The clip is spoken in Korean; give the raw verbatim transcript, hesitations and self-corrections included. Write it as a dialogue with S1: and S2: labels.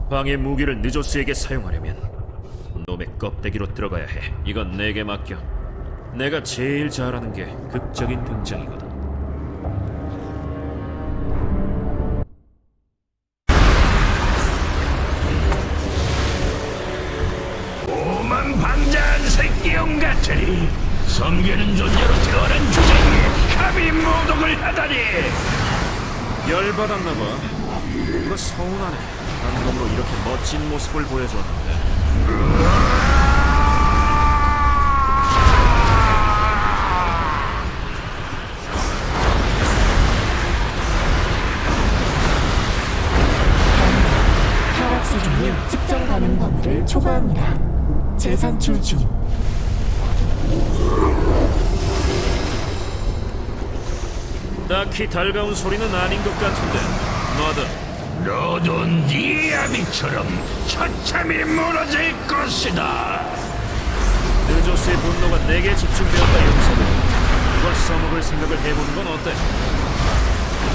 S1: 방해 무기를 느조스에게 사용하려면 놈의 껍데기로 들어가야 해. 이건 내게 맡겨. 내가 제일 잘하는 게 극적인 등장이거든.
S2: 오만 방자한 새끼형 같으니 섬기는 존재로 태어난 주장이 감히 모독을 하다니.
S1: 열받았나봐. 이거 서운하네. 방금으로 이렇게 멋진 모습을 보여줬는데.
S3: 혈압 수준이 측정 가능 범위를 초과합니다. 재산출 중.
S1: 딱히 달가운 소리는 아닌 것 같은데. 너도
S2: 너도 네 아비처럼 처참히 무너질 것이다.
S1: 느조스의 분노가 내게 집중되었다. 용서도 이걸 써먹을 생각을 해보는 건 어때?